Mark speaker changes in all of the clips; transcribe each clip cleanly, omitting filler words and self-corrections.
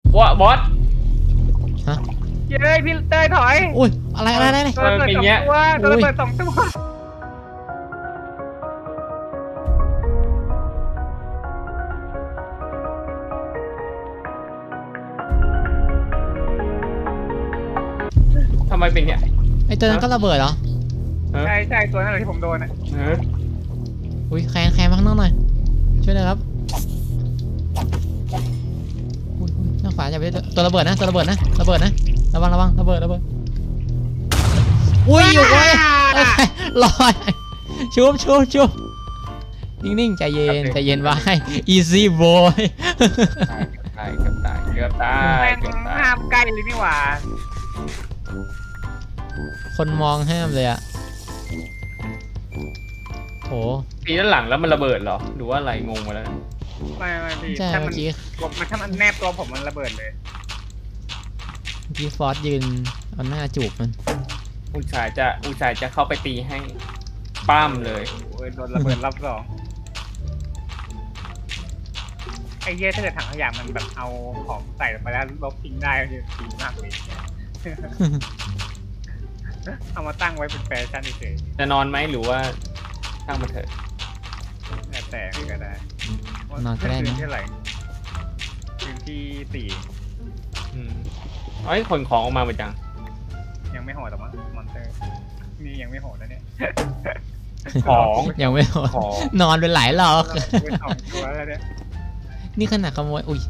Speaker 1: ว่าบอส
Speaker 2: ฮะ
Speaker 3: เย้ยพี่เต้ยถอย
Speaker 2: อุ้ยอะไร
Speaker 3: โดนระเบิดสองตัวโดนระเบิดสองตัว
Speaker 1: ทำไมเป็นเนี่ย
Speaker 2: ไอตัวนั้นก็ระเบิดเหรอ
Speaker 3: ใช่ใช่ตัวนั้นแหละที่ผมโดนอ่ะ
Speaker 2: อุ้ยแคนมาข้างนอกหน่อยช่วยหน่อยครับอุ้ยหน้าฝาอย่าไปตัวระเบิดนะระวังระเบิดอุ้ยอยู่ไว้ลอยชุบนิ่งๆใจเย็นไว้ easy boy
Speaker 1: เกือบตาย
Speaker 3: แม่งห้ามใกล้เลยนี่หว่า
Speaker 2: คนมองห้ามเลยอะโถ
Speaker 1: ตีด้านหลังแล้วมันระเบิดเหรอหรือว่าอะไรงงมาแล้ว
Speaker 3: ไม่พี่
Speaker 2: ใช่
Speaker 3: ถ้า
Speaker 2: เมื่อกี้
Speaker 3: ถ้ามันแนบตัวผมมันระเบิดเลย
Speaker 2: ฟอสยืนเอาหน้าจูบมัน
Speaker 1: อุชายจะเข้าไปตีให้ป้ามเลย
Speaker 3: โอ้ยโดนระเบิดรอบสองไอ้เหี้ยถ้าเกิดถังขยะมันแบบเอาของใส่ลงไปแล้วลบทิ้งได้ก็จะดีมากเลย เอามาตั้งไว้เป็นแฟชั่นเฉย
Speaker 1: จะนอนไหมหรือว่าช่างมันเถอะ
Speaker 3: ๆแต่ก็ได้
Speaker 2: นอนก็ได้นะ
Speaker 3: พื้ที่เท่าไหร่พื้นที่4
Speaker 1: เอ้ยขนของออกมาหมดจัง
Speaker 3: ยังไม่โหดหรอกมั้งมอนเตอร์นี่ยังไม่โหดนะเนี่ย
Speaker 1: ของ
Speaker 2: ยังไม่หมด
Speaker 1: ของ
Speaker 2: นอนเป็นหลายรอบ
Speaker 3: เป็นสองตัวแล้วเนี่ย
Speaker 2: นี่ขนาดขโมยอุ้ย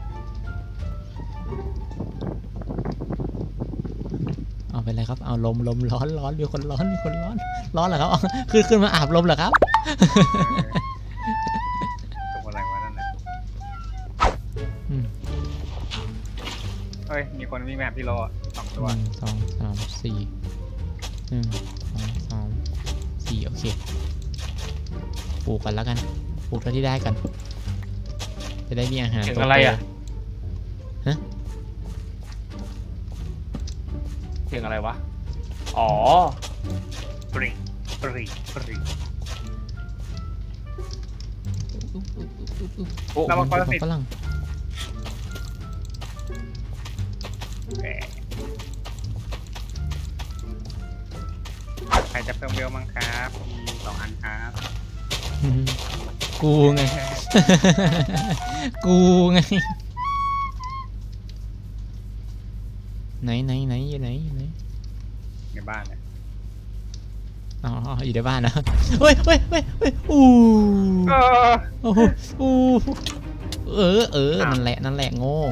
Speaker 2: เอาไปเลยครับเอาลมร้อนมีคนร้อนเหรอครับขึ้นมาอาบลมเหรอครับ
Speaker 3: ตัวอะไรวะนั่นน่ะ
Speaker 2: อืม
Speaker 3: เฮ้ยมีคนวิ่งมาหาพี่โล2 ตัว
Speaker 2: 1 2 3 4 1 2 3 4โอเคปลูกกันแล้วกันปลูกเท่าที่ได้กันจะได้มีอาหาร
Speaker 1: เสียง
Speaker 2: โตๆ
Speaker 1: อะไรอ่ะ
Speaker 2: ฮะ
Speaker 1: เสียงอะไรวะอ๋อ
Speaker 3: ปรี
Speaker 1: โอ้
Speaker 3: เรามาคนละสิ
Speaker 2: ฝรั่ง
Speaker 3: แหมใครจะเพิ่มเวลมั้งครับมี2 อันครับ
Speaker 2: กูไง กูไงไหนอยู่ไหน
Speaker 3: ในบ้านเนี่ย
Speaker 2: อ๋ออยู่ในบ้านนะเฮ้ยอู้โอ้โหอู้นั่นแหละโง่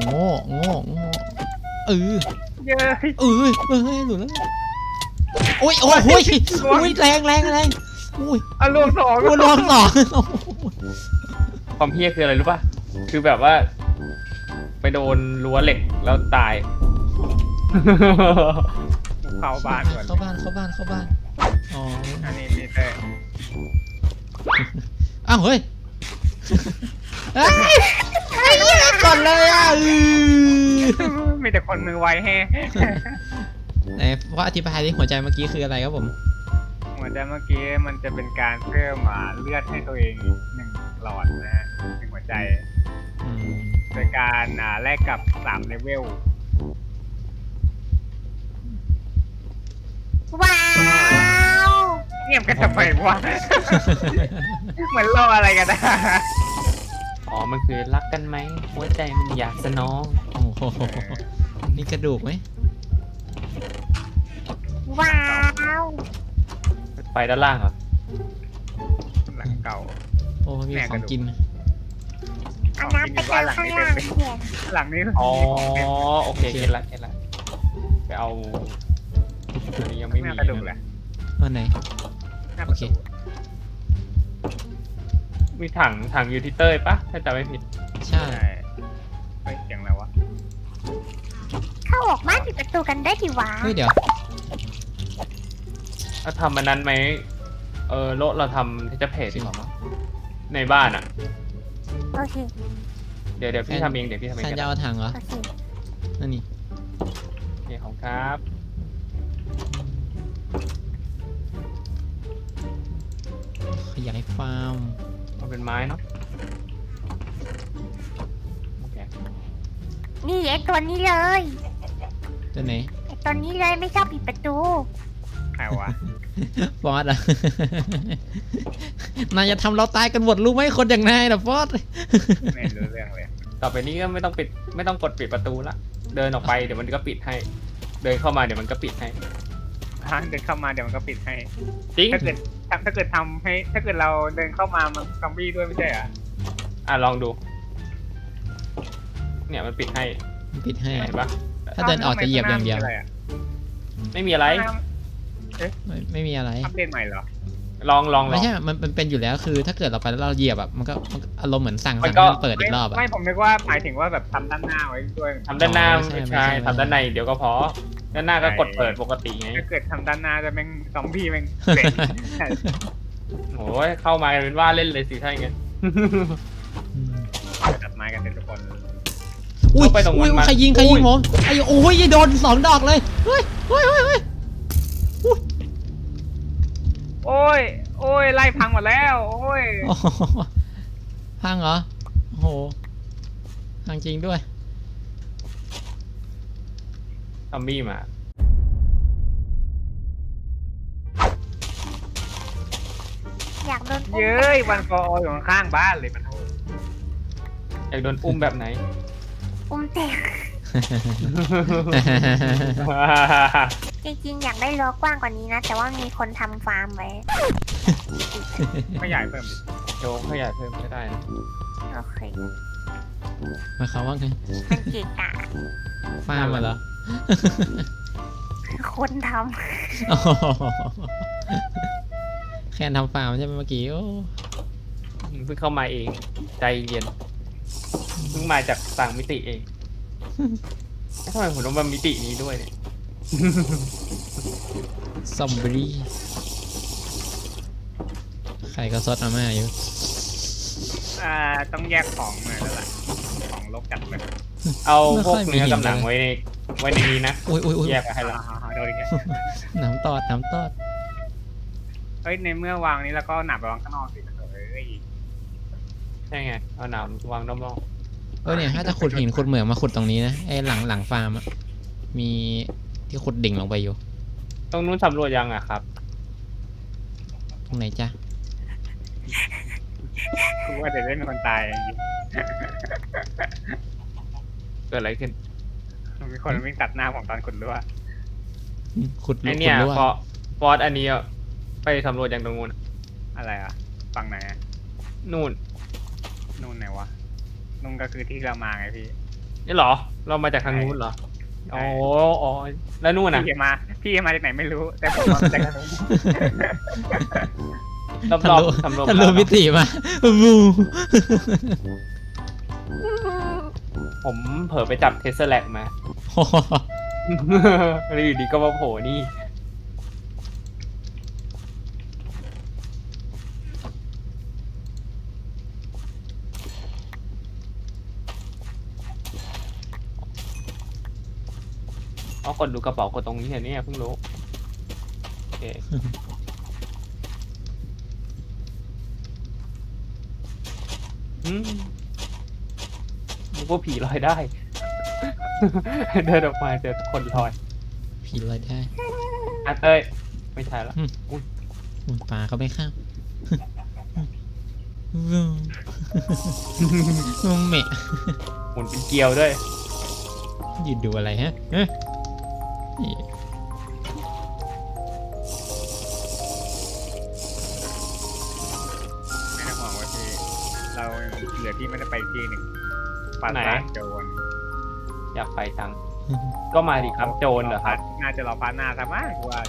Speaker 3: เย้ย
Speaker 2: หลุดแล้วโอ้ยแรงอุ้ย
Speaker 3: อ่ะรวม2
Speaker 2: กูลองสอง
Speaker 1: ความเพี้ยคืออะไรรู้ป่ะคือแบบว่า ไปโดนรั้วเหล็กแล้วตาย
Speaker 3: เข้าบ้านก่อน
Speaker 2: เข้าบ้านอ๋อ
Speaker 3: อันนี้พี่เต้
Speaker 2: อ้าวเฮ้ยก่อนเลยอ่ะ
Speaker 3: มีแต่คนมือไวแฮะ
Speaker 2: ไหนว่าอธิบายที่หัวใจเมื่อกี้คืออะไรครับผม
Speaker 3: เหมือนแต่เมื่อกี้มันจะเป็นการเพิ่มเลือดให้ตัวเอง1 หลอดนะฮะ1 หัวใจ โดยการแลกกับ3 เลเวล
Speaker 4: ว้าว
Speaker 3: เงียบกันทำไมวะ เหมือนรออะไรกันนะ
Speaker 1: อ๋อมันคือรักกันไหมหัวใจมันอยากสนอง
Speaker 2: โอ้โหนี่กระดูกไหม
Speaker 4: ว้าว
Speaker 1: ไปด้านล่างเหรอ
Speaker 3: หลังเก่า
Speaker 2: โอ้มีของกิน
Speaker 4: อันนั้นไปเจอข้างล่างเขียน
Speaker 3: หลังนี้
Speaker 1: อ๋อโอเคเก็ตละไปเอาอันนี้ยังไม่
Speaker 3: ไม่
Speaker 1: มี
Speaker 3: กระดูกแหละ
Speaker 2: วันไหน
Speaker 3: หน้า
Speaker 2: โอ
Speaker 3: ประ
Speaker 2: เค
Speaker 3: ตู
Speaker 1: มีถังอยู่ที่เต้ยปะถ้าจำไม่ผิด
Speaker 2: ใช่
Speaker 3: ใช่เฮ้ยเสียงอะไรวะ
Speaker 4: เข้าออกบ้านปิดประตูกันได้ทีวะ
Speaker 2: เฮ้ยเดี๋ยว
Speaker 1: ถ้าทำมันนั้นไหมเราทำที่จะเพจดีกว่ามั้งในบ้านอ่ะ
Speaker 4: โอเค
Speaker 1: เดี๋ยวพี่ทำเองก็
Speaker 2: แซน
Speaker 1: ได้
Speaker 2: จะเอาถังเหรอ
Speaker 4: โอเค
Speaker 2: นั่นนี่
Speaker 1: โอเคของครับ
Speaker 2: ขยายฟาร์ม
Speaker 1: เอาเป็นไม้เนาะโอเค
Speaker 4: นี่ไอ้ตัวนี้เลย
Speaker 2: ตัวไหน
Speaker 4: ไอ้ตัวนี้เลยไม่ชอบปิดประตู
Speaker 3: ใครวะ
Speaker 2: ฟอสอะ นายจะทำเราตายกันหมดรู้ไหมคนอย่างนายนะฟอส
Speaker 3: ไม่รู้เรื่องเลย
Speaker 1: ต่อไปนี้ก็ไม่ต้องปิดไม่ต้องกดปิดประตูละเดินออกไปเดี๋ยวมันก็ปิดให้ เดินเข้ามาเดี๋ยวมันก็ปิดให้
Speaker 3: ถ้าเดินเข้ามาเดี๋ยวมันก็ปิดให้
Speaker 1: จริง
Speaker 3: ถ้าเกิดทำให้ถ้าเกิดเราเดินเข้ามามันซอมบี้ด้วยไม่ใช่เหรอ
Speaker 1: ลองดู เนี่ยมันปิดให้
Speaker 2: ปิดให้
Speaker 1: เห็นปะ
Speaker 2: ถ้าเดินออกจะเหยียบอย่างเดียว
Speaker 1: ไม่มีอะไร
Speaker 2: ไม่มีอะไร
Speaker 3: อัปเดตใหม่เหรอ
Speaker 1: ลอง
Speaker 2: ไม่ใช่ มันเป็นอยู่แล้วคือ ถ้าเกิดเราไปแล้วเราเหยียบแบบมันก็อารมณ์เหมือนสั่ง
Speaker 1: มั
Speaker 2: ให้
Speaker 1: นก็
Speaker 2: มันเปิดอีกรอบอะ
Speaker 3: ไม่ผมนึกว่าหมายถึงว่าแบบทำด้านหน้าไว้ด้วย
Speaker 1: ทำด้านหน้า
Speaker 2: อ๋อไม่
Speaker 1: ไม่
Speaker 2: ใช่
Speaker 1: ใช่
Speaker 2: ไม่ใช่
Speaker 1: ทำด้านในเดี๋ยวก็พอด้านหน้าก็กดเปิดปกติไง
Speaker 3: ถ้าเกิดทำด้านหน้าจะแม่งซอมบี้แม่งเสร็จ
Speaker 1: โอ้ยเข้ามาเป็นว่าเล่นเลยสิถ้าอย่างงั้น
Speaker 2: อืม
Speaker 3: ตัดไม้กันเป็นทุกคน
Speaker 2: อุ้ย
Speaker 1: เข้าไปตรงนั้น
Speaker 2: อุ้ย
Speaker 1: มา
Speaker 2: ใครยิง
Speaker 1: อุ้ย
Speaker 2: ผมไอ้โอ้ยโดน2 ดอกเลยเฮ้ย
Speaker 3: โอ้ยไล่พังหมดแล้วโอ้ย
Speaker 2: โอ้โหพังเหรอโอ้โหพังจริงด้วย
Speaker 1: ซอมบี้มา
Speaker 4: อยากโดนอุ้ม
Speaker 3: เย้ยวันฟอร์อยู่ข้างๆบ้านเลยมัน
Speaker 1: อยากโดนอุ้มแบบไหน
Speaker 4: อุ้มเต็มจริงๆอยากได้รั้วกว้างกว่านี้นะ แต่ว่ามีคนทำฟาร์มไว้
Speaker 3: ไม่ใหญ่เพิ่มดิ
Speaker 1: โยกขยายเพิ่มก็ได้นะ
Speaker 4: โอเค
Speaker 2: หมายความว่าไง
Speaker 4: มันเกะกะ
Speaker 2: ฟาร์มมาเหรอ
Speaker 4: คนท
Speaker 2: โอ้โหแค่ทำฟาร์มใช่ไหมเมื่อกี้โอ้
Speaker 1: เพิ่งเข้ามาเอง ใจเย็นเพิ่งมาจากต่างมิติเองทำไมผมต้องมามิตินี้ด้วยเนี่ย
Speaker 2: ซอมบี้ใครก็ซดมาม่าอยู่
Speaker 3: ต้องแยกของหน่อยแล้วล่ะของลบจัดเลย
Speaker 1: เอา
Speaker 2: ไม่
Speaker 1: พว
Speaker 2: ค่
Speaker 1: ก
Speaker 2: อยมี
Speaker 1: เนื้อ
Speaker 2: หิน
Speaker 1: กำหนัง
Speaker 2: เลย
Speaker 1: ไว้ในนี้นะ
Speaker 2: อุ้ย
Speaker 1: แยกกันให้แล้ว
Speaker 3: โดนอีกแล้ว
Speaker 2: น้ำตอด
Speaker 3: เฮ้ยในเมื่อวางนี้แล้วก็หนับไปวางข้างนอกสิเฮ้ย
Speaker 1: ใช่ไงเอาหนามวางรอบ
Speaker 2: เนี่ยถ้าจะขุดหินขุดเหมืองมาขุดตรงนี้นะไอ้หลังฟาร์มอะมีที่ขุดดิ่งลงไปอยู่
Speaker 1: ๆตรงนู้นสำรวจยังอะครับ
Speaker 2: ตรงไหนจ๊ะ
Speaker 3: กูว่าเดี๋ยวได้มีคนตายจริง
Speaker 1: เกิดอะไรขึ้น
Speaker 3: มีคนวิ่งตัดหน้าผมตอนขุดรั้ว
Speaker 2: ขุด
Speaker 1: ไอ
Speaker 2: ขุ
Speaker 1: เนี่ย
Speaker 2: ดรั่ว
Speaker 1: ฟอสอันนี้อะไปสำรวจยังตรงนู้นอะ
Speaker 3: อะไรอ่ะฝั่งไหนอะ
Speaker 1: นู่น
Speaker 3: นู่นไหนวะนู่นก็คือที่เรามาไงพี่
Speaker 1: นี่เหรอ เรามาจากทางนู้นเหรอ
Speaker 3: ใช่
Speaker 1: อ๋อแล้วนู่นอะ
Speaker 3: พี่มาจากไหนไม่รู้ แต่ผมมาจากทางนู้น
Speaker 1: รอบ
Speaker 2: ทะลุ
Speaker 1: ๆสำรวจ
Speaker 2: ทะลุมิติมาบู
Speaker 1: ผมเผลอไปจับเทสแลกมา
Speaker 2: โอ้โห
Speaker 1: แล้วอยู่ดีก็มาโผล่นี่ เอากดดูกระเป๋ากดตรงนี้เห็นเนี่ยเพิ่งรู้โอเคนึกว่าผีลอยได้ เดินออกมาเจอคนลอย
Speaker 2: ผีลอยได้
Speaker 1: อ่ะเต้ยไม่ใช่ละ
Speaker 2: อุ๊ยปลาเขาไม่ข้ามเมะ
Speaker 1: หมุนเป็นเกลียวด้วย
Speaker 2: ยืนดูอะไรฮะเอ๊ะนี่
Speaker 3: ไม่ต้องห่วงว่าพี่เราเหลือที่ไม่ได้ไปที่หนึ่งปรา
Speaker 1: ไหน
Speaker 3: สาทโจร
Speaker 1: อยากไปจัง ก็มาดิครับโจรเหรอครับ
Speaker 3: น่าจะรอพาร์ทหน้าซะมากกว่า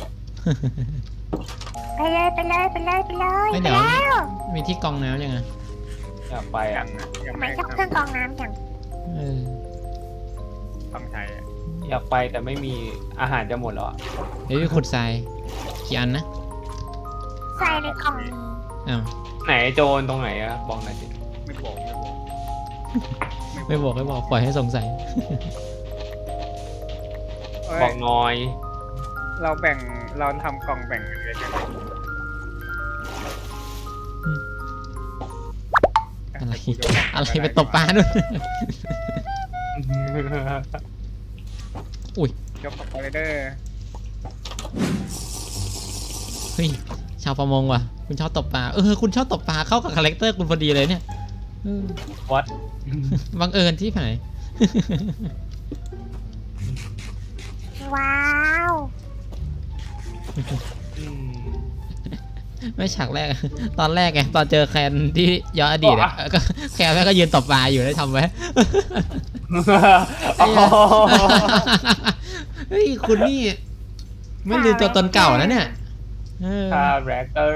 Speaker 4: ไปเลยไปเลยไปเลยไปเลย
Speaker 2: ไม่
Speaker 4: ไป
Speaker 2: เดี๋ยว
Speaker 4: แล้ว
Speaker 2: มีที่กรองน้ำยังไง
Speaker 1: อยากไป
Speaker 3: ยั
Speaker 1: อ่ะ
Speaker 3: งนะยัง
Speaker 4: ทำไม
Speaker 3: ไม่
Speaker 4: ชอบเครื่องกรองน้ำจัง
Speaker 2: เออ
Speaker 3: ต้องใช้อะ
Speaker 1: อยากไปแต่ไม่มีอาหารจะหมดแล้วอะ
Speaker 2: เดี๋ยวขุดทรายกี่อันนะ
Speaker 4: ใส่ในกล่องนี้
Speaker 2: อ้าว
Speaker 1: ไหนโจรตรงไหนอะบอกหน่อยสิ
Speaker 3: ไม่บอก
Speaker 2: ไม่บอกปล่อยให้สงสัย
Speaker 3: เอ้ย
Speaker 1: บอกหน่อย
Speaker 3: เราทำกล่องแบ่งกันเลยใช่ไหม
Speaker 2: อะไรอะไรไปตบปลาด้วย
Speaker 3: ยกสไปเดอร์
Speaker 2: เฮ้ยชาวประมงว่ะคุณชอบตกปลาคุณชอบตกปลาเข้ากับคาแรคเตอร์คุณพอดีเลยเนี่ยเออ
Speaker 1: What
Speaker 2: บังเอิญที่ไหน
Speaker 4: ว้าว
Speaker 2: ไม่ฉากแรก ตอนแรกไงตอนเจอแคนที่ย้อนอดีตอะก็แคนแม่งก็ยืนตบปลาอยู่ได้ทำไว้ เฮ้ยคุณนี่ไม่ลืมตัวตนเก่านะเนี่ย
Speaker 1: คาแรคเตอร์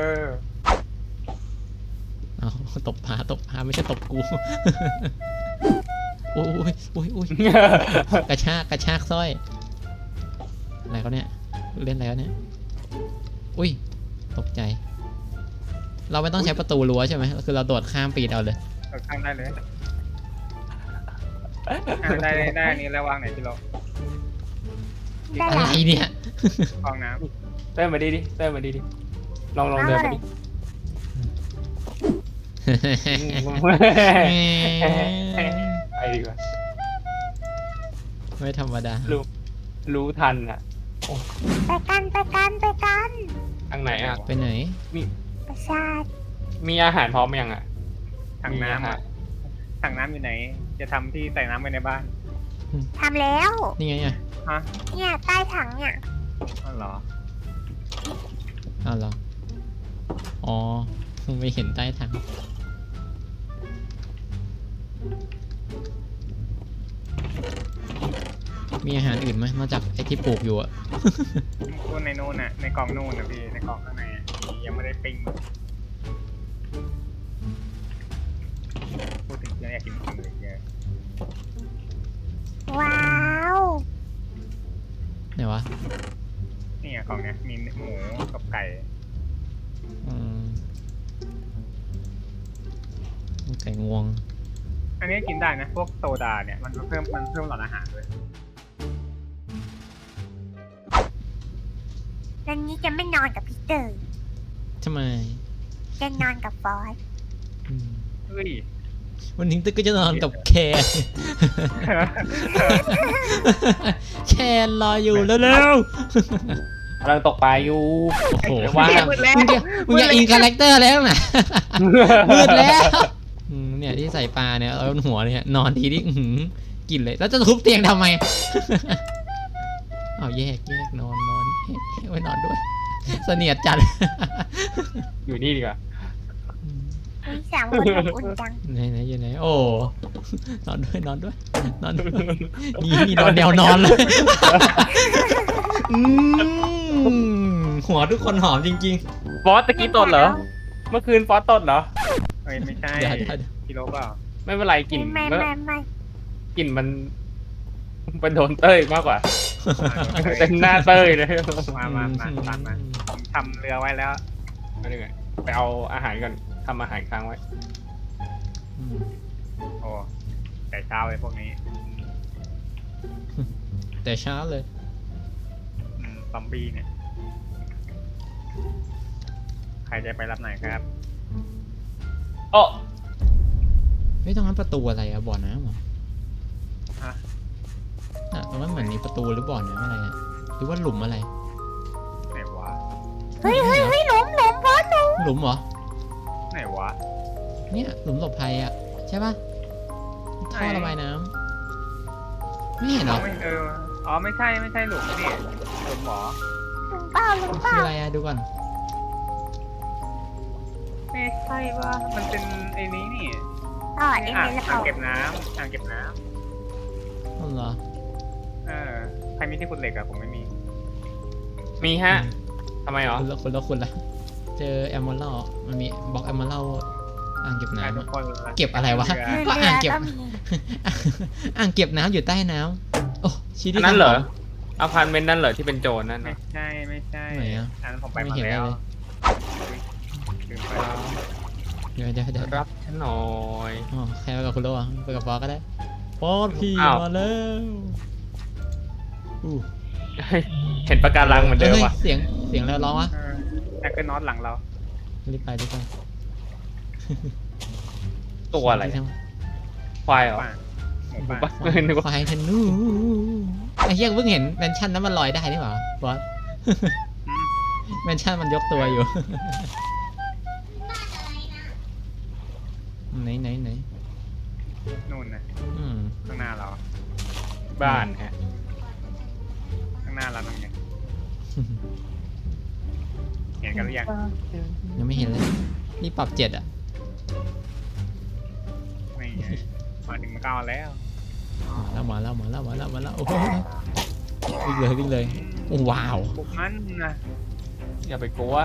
Speaker 2: เอาตบปลาไม่ใช่ตบกู โอ้ยกระชากสร้อยอะไรเขาเนี่ยเล่นอะไรเขาเนี่ยอุ้ยตกใจ เราไม่ต้องใช้ประตูรั้วใช่ไหมคือเราโดดข้ามปีนเอาเลย
Speaker 3: ข้างได้เลยได้อันนี้แล้ววางไหนพี่โล
Speaker 4: ได้
Speaker 2: อะไร
Speaker 4: ละ
Speaker 2: เนี่ย
Speaker 3: ฟองน้
Speaker 1: เต้นมาดิเต้นมาดิลองเดินมาดิ ไปดีกว่า
Speaker 2: ไม่ธรรมดา
Speaker 1: รู้ทันอ่ะ
Speaker 4: ไปกัน
Speaker 1: ทางไหนอ่ะ
Speaker 2: ไปไหน
Speaker 4: ประชาช
Speaker 1: มีอาหารพร้อมยังอ่ะ
Speaker 3: ำถังน้ำอะถังน้ำอยู่ไหน จะทำที่ใส่น้ำไว้ในบ้าน
Speaker 4: ทำแล้ว
Speaker 2: นี่ไงอ่ะ
Speaker 3: ฮะ
Speaker 4: เนี่ยใต้ถังเนี่ย
Speaker 3: อ๋อเหรอ
Speaker 2: อ้าวเหรออ๋อไม่เห็นใต้ถังมีอาหารอื่นไหมนอกจากไอ้ที่ปลูกอยู่อะ
Speaker 3: พูดในนู่นน่ะ ในกล่องนู่นน่ะพี่ ในกล่องข้างในอะยังไม่ได้ปิ้งพูดถึงเรื่องอยากกินของเลยเยอะ
Speaker 4: ว้าว
Speaker 2: ไหนวะ
Speaker 3: นี่อะกล่องเนี้ยมีหมูกับไก่
Speaker 2: อืมไก่งวง
Speaker 3: อันนี้กินได้นะ พวกโซดาเนี่ยมันเพิ่มหลอดอาหารด้วย
Speaker 4: วันนี้จะไม่นอนกับพีเตอร์
Speaker 2: ทำไม
Speaker 4: จะนอนกับฟอส
Speaker 2: อืม
Speaker 3: เฮ้ย
Speaker 2: วันนี้ตึกก็จะนอนกับแคน แคนรออยู่เร็ว
Speaker 1: กำลังตกปลาอยู่
Speaker 2: ๆโอ้โห
Speaker 1: ว่า
Speaker 2: มึงอย่าอินคาแรคเตอร์แล้วนะมืดแล้วเนี่ยที่ใส่ปลาเนี่ยเอาบนหัวเนี่ยนอนทีนี่กินเลยแล้วจะทุบเตียงทำไม เอาแยกนอนไว้นอนด้วยเสนียดจัด
Speaker 1: อยู่นี่ดีกว่า
Speaker 4: มี3 คนอบอุ่นจัง
Speaker 2: ไหนอยู่ไหนโอ้นอนด้วยนี่นอนแนวนอนเลยหัวทุกคนหอมจริง
Speaker 1: ฟอสตะกี้ตดเหรอ เมื่อคืนฟอสตดเหรอ
Speaker 3: เฮ้ยไม่ใช่
Speaker 2: ๆเดี๋ยว
Speaker 3: กิโลเปล่า
Speaker 1: ไม่เป็นไรกลิ่น
Speaker 4: ไม่
Speaker 1: กลิ่นมันเป็นโดนเต้ยมากกว่า เต็มหน้าเต้ยเลย
Speaker 3: มาตามมาผมทำเรือไว้แล้ว
Speaker 1: ไม่ได้ไงไปเอาอาหารก่อนทำอาหารค้างไว้
Speaker 3: โอ้แต่เช้าเลยพวกนี้
Speaker 2: แต่เช้าเลย
Speaker 3: ซอมบี้เนี่ย ใครจะไปรับไหนครับ
Speaker 1: โอ้
Speaker 2: ไม่ต้องนั้นประตูอะไรอะบ่อน้ำเหรอ
Speaker 3: ฮะ
Speaker 2: ตรงนั้นเหมือนมีประตูหรือบ่อน้ำอะไรอะหรือว่าหลุมอะไร
Speaker 3: ไหนวะ
Speaker 4: เฮ้ยหลุมฟอสหลุม
Speaker 2: หลุมเหรอ
Speaker 3: ไหนวะ
Speaker 2: เนี่ยหลุมหลบภัยอะใช่ปะท่อระบายน้ำไม่เห็นเหรอ
Speaker 3: อ๋อไม่ใช่หลุมนี่หลุมหมอ
Speaker 4: หลุมเปล่า
Speaker 2: คืออะไรอะดูก่อน
Speaker 3: ไม่ใช่ว่ามันเป็นไอ้นี้นี่
Speaker 4: อ๋อเอ็น
Speaker 3: อ่าง
Speaker 4: เอ็นแล้ว
Speaker 3: อ่าง
Speaker 4: เปล่า
Speaker 3: เก็บน้ำ
Speaker 2: อ๋อเหรอ
Speaker 3: ใครมีที่ขุดเหล็กอะผมไม่มี
Speaker 1: มีฮะทำไมหรอ
Speaker 2: คุณละเจอแอมเมอรัลมันมีบล็อกแอมเมอรัลอ่างเก็บน้ำ
Speaker 3: ทุ
Speaker 2: อะ
Speaker 3: กคน
Speaker 2: เก็บอะไรวะ
Speaker 3: เรือ
Speaker 2: ก็อ่างเก็บ
Speaker 4: ก็มี
Speaker 2: อ่างเก็บน้ำอยู่ใต้น้ำโอ้ชี้
Speaker 1: อั
Speaker 2: ที่
Speaker 1: นนั้นเหรอ
Speaker 2: ทำข
Speaker 1: อพาร์ตเมนต์นั่นเหรอที่เป็นโจรนั่น
Speaker 3: ไม่
Speaker 1: นะ
Speaker 3: ใช่
Speaker 2: ไหนอะ
Speaker 3: อันนั้นผมไป
Speaker 2: ไม่
Speaker 3: มา
Speaker 2: เห็น
Speaker 3: แล้ว
Speaker 2: เลย
Speaker 3: ลืมไป
Speaker 2: เดี๋ยว
Speaker 1: รับฉันหน่อย
Speaker 2: อ๋อใครไปกับคุณโลอะไปกับฟอสก็ได้ฟอสพี่
Speaker 1: อ้าว
Speaker 2: มาแล้วอู้
Speaker 1: เห็นปะการังเหมือนเดิม
Speaker 2: ฮ้ย
Speaker 1: ว่ะ
Speaker 2: เสียงอะไรร้องวะ
Speaker 3: แจ็คเกิลน็อตหลังเรา
Speaker 2: รีบไป
Speaker 1: ตัวอะไร
Speaker 2: ที่ท
Speaker 1: ควายเหรอ
Speaker 3: ว่าหหมู
Speaker 1: ปะ
Speaker 3: ป่า
Speaker 1: นึกว่า
Speaker 2: ควายธนูไอ้เหี้ยเพิ่งเห็นแมนชั่นนั้นมันลอยได้นี่หว่าบอส แมนชั่นมันยกตัวอยู่ ไหน
Speaker 3: นู่นนะ
Speaker 2: อืม
Speaker 3: ข้างหน้าเรา
Speaker 1: บ้านฮะ
Speaker 3: ข้างหน้าเราตรงนี้เห็นกันหรือยัง
Speaker 2: ยังไม่เห็นเลย นี่ปรับ7อ่ะ
Speaker 3: ไม่ไงมาถึงมาเก้าแล้ว
Speaker 2: มาแล้วโอ้โหวิ่งเลยโอ้ว้าว
Speaker 3: บุกมันนะ
Speaker 1: อย่าไปกลัว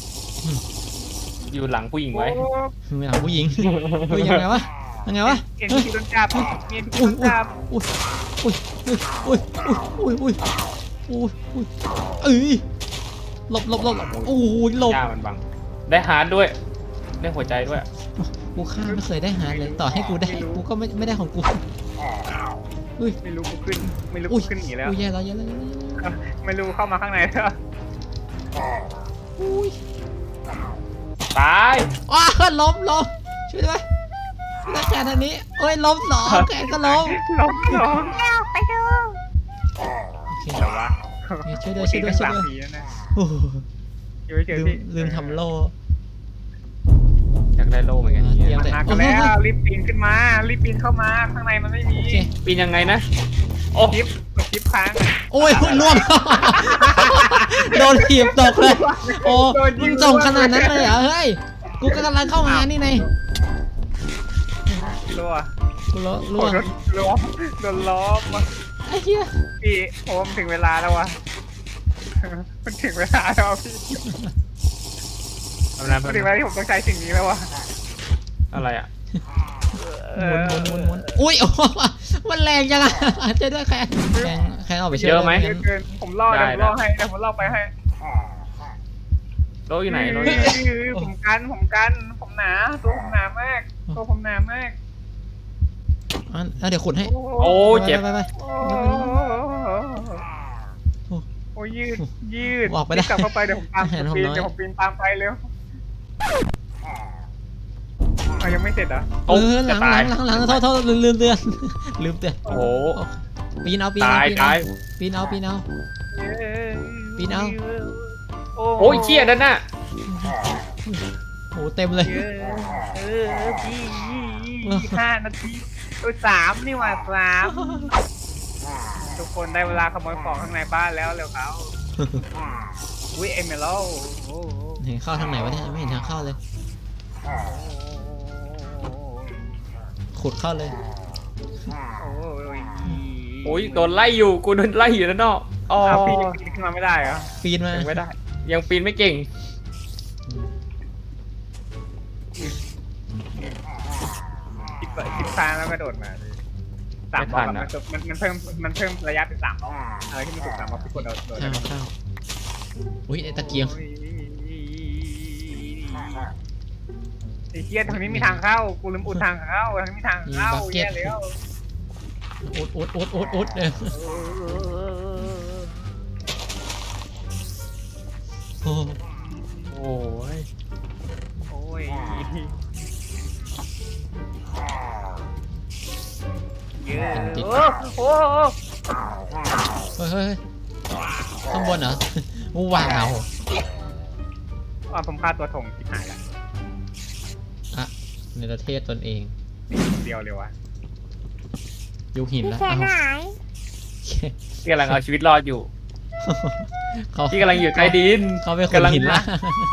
Speaker 1: อยู่หลังผู้หญิงไว้
Speaker 2: ไม่หลังผู้หญิงเฮ้ยยังไงวะเฮ้ย
Speaker 3: เอ็นพีโดนจับเอ็นพีโดนจับ
Speaker 2: อุ้ยเอ้ยหลบโอ้ยหลบ
Speaker 1: ย่ามันบัง ได้ฮาร์ดด้วย ได้หัวใจด้วย
Speaker 2: กูฆ่าไม่เคยได้หาเลยต่อให้กูได้กูก็ไม่ได้ของกู
Speaker 3: ไม่รู้กูขึ้นไม่รู้
Speaker 2: อุ้
Speaker 3: กู
Speaker 2: ย
Speaker 3: ขึ้นหนีแล้ว
Speaker 2: อุ้ยแย่แล้ว
Speaker 3: ไม่รู้เข้ามาข้างในแล้ว
Speaker 2: อุ้ย
Speaker 1: ตาย
Speaker 2: ว้าล้มช่วยด้วยนักแข่งทางนี้เอ้ยล้มสองแข่งก็ล้ม
Speaker 3: ล้ม
Speaker 4: แล้วไปดู
Speaker 2: โอเค
Speaker 3: แต่ว่า
Speaker 2: ช่วยด้วย
Speaker 3: สามปีแล้วนะ
Speaker 2: โอ้โห
Speaker 3: อยู่เฉยๆพี่
Speaker 2: ลืมทำโล่
Speaker 1: อยากได้โล่เหมือนกัน
Speaker 2: เตรีย
Speaker 1: เนี่ย
Speaker 2: ม
Speaker 3: มากันแล้วรีบปีนขึ้นมารีบปีนเข้ามาข้างในมันไม่มี
Speaker 2: โอเค
Speaker 1: ปีนยังไงนะ โอ้
Speaker 3: คลิปค้าง
Speaker 2: โอ้ยล่วง โดนถีบตกเลย โอ้มึงส่งขนาดนั้นเลยเหรอเฮ้ย กูกำลังเข้ามานี่ไง
Speaker 3: รัว
Speaker 2: กูล่ว
Speaker 3: โด
Speaker 2: ง
Speaker 3: นล้อมโดนล้อม
Speaker 2: ไอ้เหี้ย
Speaker 3: พี่โอ้มันถึงเวลาแล้ววะมันถึงเวลาแล้วพี่
Speaker 1: ทำนั้น
Speaker 3: มันถึงเวลาที่ผมต้องใช้สิ่งนี้แล้ววะ
Speaker 1: อะไรอ่ะ
Speaker 2: หมุนอุ้ยโอ้มันแรงจังอะช่วยด้วยแค่เอาไปช่วย
Speaker 1: เยอะไหม
Speaker 3: เยอะเกินผมล่อเดี๋ยวผมล่อให้เดี๋ยวผมล่อไปให้
Speaker 1: โล่อยู่ไหนโล่อยู่ไหน
Speaker 3: ผมผมหนาตัวผมหนามากตัวผมหนามาก
Speaker 2: เดี๋ยวขุดให้
Speaker 1: โอ้เจ็บ
Speaker 2: ไป
Speaker 3: โอ้ยืด
Speaker 2: ออกไปได้
Speaker 3: กลับเข้าไปเดี๋ยวผมตาม
Speaker 2: เห็นผม
Speaker 3: ปีน
Speaker 2: น้อย
Speaker 3: เดี๋ยวผมปีนตามไปเร็วยังไม่เสร็จเหรอ
Speaker 1: โอ้
Speaker 2: ห
Speaker 1: จะ
Speaker 2: ลัง
Speaker 1: ตาย
Speaker 2: โทษลืมเตือน
Speaker 1: โอ้โห
Speaker 2: ปีนเอา
Speaker 1: ตาย
Speaker 2: ปีนเอา ปีนเอา
Speaker 1: โอ้ยเชี่ยนั่นน่ะ
Speaker 2: โอ้เต็มเลย
Speaker 3: พี่5 นาที3นี่หว่า3ทุกคนได้เวลาขโมยของข้างในบ้านแล้วเร็วเขาวิเอเมโล
Speaker 2: เห็นเข้าทางไหนวะเนี่ยไม่เห็นทางเข้าเลย ขุดเข้าเลย
Speaker 1: โอ้ยโดนไล่อยู่กูโดนไล่อยู่นั่นเนาะอ๋อ
Speaker 3: พี่ยังปีนขึ้นมาไม่ได้เหรอ
Speaker 2: ปีนมา
Speaker 1: ยังไม่ได้ ยังปีนไม่เก่ง
Speaker 3: คิดฟ้าแล้วกระโดดมา3 บล็อกมันเพิ่มระยะเป็น3 บล็อกอะไรที่มันถูก3 บล็อกพี่กดโดด
Speaker 2: เข้าอุ้ยไอ้ตะเกียง
Speaker 3: ไอ้เหี้ยทางนี้มีทางเข้ากูลืมอุดทางเข้าทางนี้มีทางเข้าแย่แล้ว
Speaker 2: อุดโอ้
Speaker 1: โอ้ย
Speaker 3: โอ้ยเยอะโอ้
Speaker 2: เฮ้ยข้างบนเหรอว้าว
Speaker 3: ผมฆ่าตัวถงที่หายแล้ว
Speaker 2: อะในประเทศตนเอง
Speaker 3: เดียวเลยวะ
Speaker 2: ยุคหิน
Speaker 4: พี่
Speaker 2: แล้ว
Speaker 4: แคนหาย
Speaker 1: พี่กำลังเอาชีวิตรอดอยู่
Speaker 2: เขา
Speaker 1: พี่กำลังอยู่ใต้ดิน
Speaker 2: เขาเป็นคนหินละ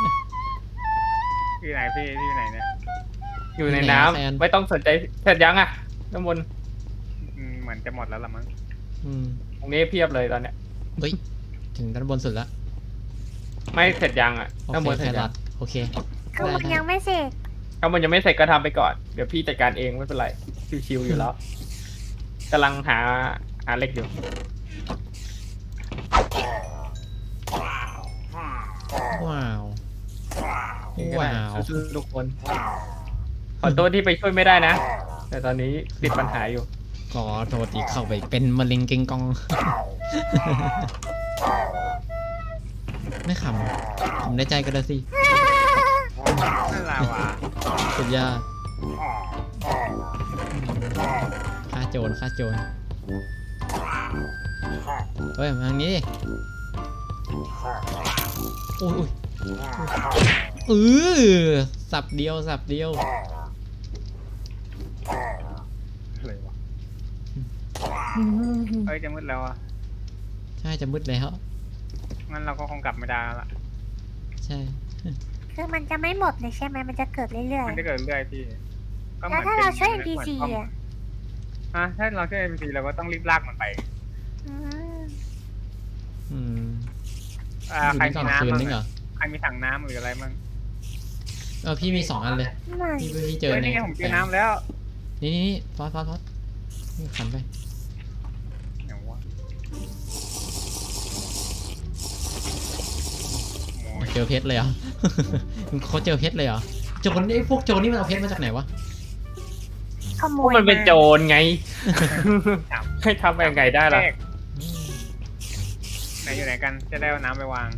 Speaker 3: พี่ไหนพี่อยู่ไหนเนี่ย
Speaker 1: อยู่ใน
Speaker 2: ที่ไหน
Speaker 1: น้
Speaker 2: แฟน
Speaker 1: ำไม่ต้องสนใจเสร็จยังอ่ะน้ำมนต์
Speaker 3: เหมือนจะหมดแล้วละมั้ง
Speaker 1: ตรงนี้เพียบเลยตอนเนี้ย
Speaker 2: เฮ้ยถึงด้านบนสุดละ
Speaker 1: ไม่เสร็จยังอ่ะ
Speaker 2: โอ
Speaker 1: น้ำมน
Speaker 2: เค
Speaker 1: ต์เส
Speaker 2: แค
Speaker 1: ร็จ
Speaker 2: ร
Speaker 1: ยั
Speaker 2: อง ทโอเค
Speaker 4: คือมันยังไม่เสร็จ
Speaker 1: น้ำมนต์ยังไม่เสร็จก็ทำไปก่อน เดี๋ยวพี่จัดการเองไม่เป็นไร ชิวๆอยู่แล้วกำลังหาเหล็กอยู่
Speaker 2: ว้าว
Speaker 1: ว้า
Speaker 2: ว้าว
Speaker 1: สู้ๆทุกคน ขอโทษที่ไปช่วยไม่ได้นะ แต่ตอนนี้ติดปัญหาอยู่
Speaker 2: ขอโทษที่เข้าไปเป็นมะเร็งเกงกอง ไม่ขำผมได้ใจกันแล้วสิ
Speaker 3: นั่นแหละวะ
Speaker 2: สุดยอดฆ่าโจรฆ่าโจรเฮ้ยมาทางนี้ดิอุ้ยสับเดียวสับเดียว
Speaker 3: อะไรวะเฮ้ยจะมืดแล้วอ่ะ
Speaker 2: ใช่จะมืดแล้ว
Speaker 3: งั้นเราก็คงกลับไม่ได้แล้วล่ะ
Speaker 2: ใช่
Speaker 4: คือมันจะไม่หมดเลยใช่ไหมมันจะเกิดเรื่อย
Speaker 3: มันจะเกิดเรื่อยพี่ก็
Speaker 4: ๆ
Speaker 3: เหมื
Speaker 4: แล้ว
Speaker 3: อน
Speaker 4: ถ้าเราช่วย
Speaker 3: หมื
Speaker 4: NPC
Speaker 3: อน
Speaker 4: อ่ะ
Speaker 3: ถ้าเราช่วย NPC เราก็ต้องรีบลากมันไป
Speaker 4: อืม
Speaker 2: อืม
Speaker 3: ใครมี
Speaker 2: คืน
Speaker 3: น้ำ
Speaker 2: นึ
Speaker 3: มั้
Speaker 2: ง
Speaker 3: ง
Speaker 2: เหรอ
Speaker 3: ใครมีถังน้ำหรืออะไรมั้ง
Speaker 2: พี่มี2 อันเลย
Speaker 4: ไม่
Speaker 2: พี่เจอ
Speaker 3: เฮ้ย
Speaker 2: ใน
Speaker 3: นี่ไงผมเจอน้ำแล้ว
Speaker 2: นี่ฟอสนี่ขันไป
Speaker 3: อย่างวะโอ้ย
Speaker 2: เจอเพชรเลยเหรอ เขาเจอเพชรเลยเหรอโจรนี่พวกโจรนี่มันเอาเพชรมาจากไหนวะ
Speaker 4: ขโม
Speaker 1: พวก
Speaker 4: ย
Speaker 1: มันเป็นโจ
Speaker 4: ร
Speaker 1: รไง ให้ทำยังไงได้ล่ะ
Speaker 3: แรกไหนอยู่ไหนกันจะได้เอาน้ำไปวาง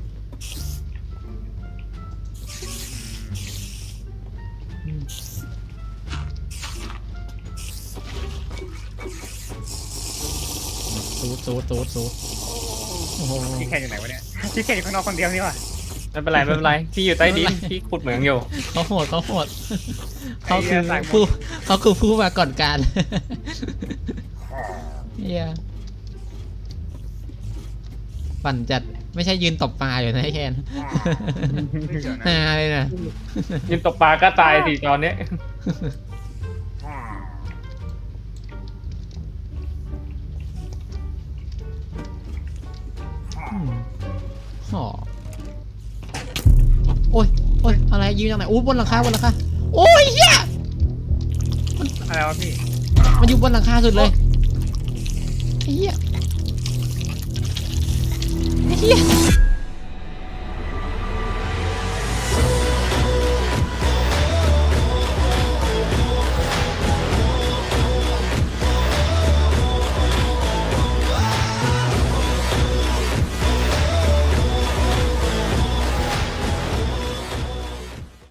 Speaker 2: ซูดโอ้โห
Speaker 3: พี่แคนอยู่ไหนวะเนี่ยพี่แคนอยู่ข้างนอกคนเดียวนี่วะ
Speaker 1: ไม่เป็นไรไม่เป็นไร พี่อยู่ใต้ดิน พี่ขุดเหมืองอยู่
Speaker 2: เขาโหดเขาคือผู้มาก่อนการ เฮียปั่นจัดไม่ใช่ยืนตบปลาอยู่นะไอ้แคน
Speaker 3: เดี๋ยวนะ
Speaker 2: ฮาเลยนะ
Speaker 1: ยืนตกปลาก็ตายสิตอนเนี้ย
Speaker 2: ห่อโอ้ยอะไรยืนจากไหนอู้บนหลังคาโอ้ยเฮีย
Speaker 3: อะไรวะพี่
Speaker 2: มันอยู่บนหลังคาสุดเลยไอ้เฮีย